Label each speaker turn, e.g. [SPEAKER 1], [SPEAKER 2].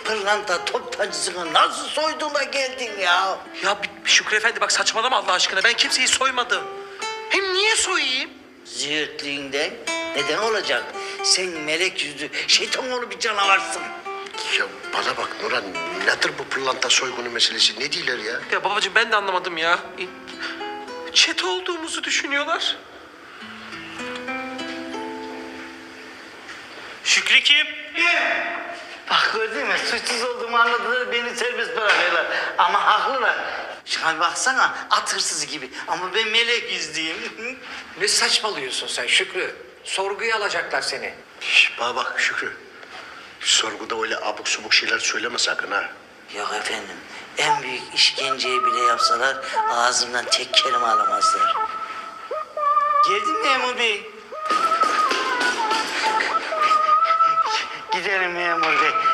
[SPEAKER 1] pırlanta toptancısını nasıl soydun da geldin ya?
[SPEAKER 2] Ya Şükrü Efendi bak saçmalama Allah aşkına. Ben kimseyi soymadım. Hem niye soyayım?
[SPEAKER 1] Züğürtlüğünden neden olacak? Sen melek yüzlü şeytan oğlu bir canavarsın.
[SPEAKER 3] Ya bana bak Nurhan, nedir bu pırlanta soygunu meselesi? Ne diyorlar ya?
[SPEAKER 2] Ya babacığım ben de anlamadım ya. Çete olduğumuzu düşünüyorlar.
[SPEAKER 4] Şükrü kim?
[SPEAKER 1] Bak gördün mü? Suçsuz olduğumu anladılar, beni serbest bırakıyorlar. Ama haklılar. Şuna bir baksana, at hırsızı gibi. Ama ben melek yüzlüyüm.
[SPEAKER 5] Ne saçmalıyorsun sen Şükrü? Sorguya alacaklar seni.
[SPEAKER 3] Bana bak Şükrü. Sorguda öyle abuk subuk şeyler söyleme sakın ha.
[SPEAKER 1] Yok efendim, en büyük işkenceyi bile yapsalar ağzımdan tek kelime alamazlar. Geldin mi memur bey? Gidelim memur bey.